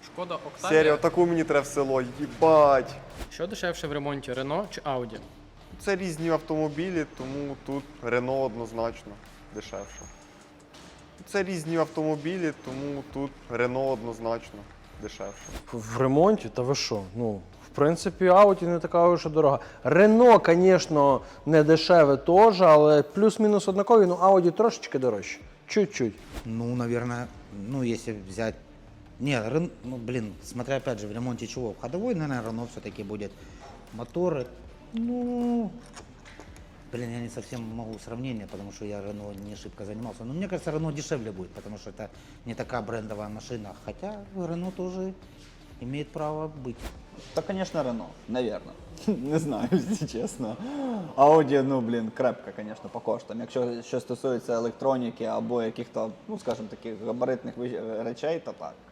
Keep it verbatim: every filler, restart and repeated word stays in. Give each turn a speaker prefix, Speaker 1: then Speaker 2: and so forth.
Speaker 1: Шкода Октавія.
Speaker 2: Серія, таку мені треба в село, їбать.
Speaker 1: Що дешевше в ремонті, Рено чи Ауді?
Speaker 2: Це різні автомобілі, тому тут Рено однозначно дешевше. Це різні автомобілі, тому тут Рено однозначно дешевше.
Speaker 3: В ремонті? Та ви що? Ну, в принципі, Audi не така вже дорога. Рено, звісно, не дешеве теж, але плюс-мінус однакові, ну Audi трошечки дорожче. Чуть-чуть.
Speaker 4: Ну, наверное, ну, если взять... Не, Рен... ну, блин, смотря опять же, в ремонте чего. Ходовой, наверное, Рено все-таки будет. Моторы, ну... Блин, я не совсем могу сравнение, потому что я Рено не шибко занимался. Но мне кажется, Рено дешевле будет, потому что это не такая брендовая машина. Хотя Рено тоже имеет право быть.
Speaker 5: Та, конечно, Рено, наверное. Не знаю, якщо чесно. Audi, ну, блін, крепка, звісно, по коштам. Якщо що стосується електроніки або яких-то, ну, скажімо, таких габаритних вищ- речей, то так.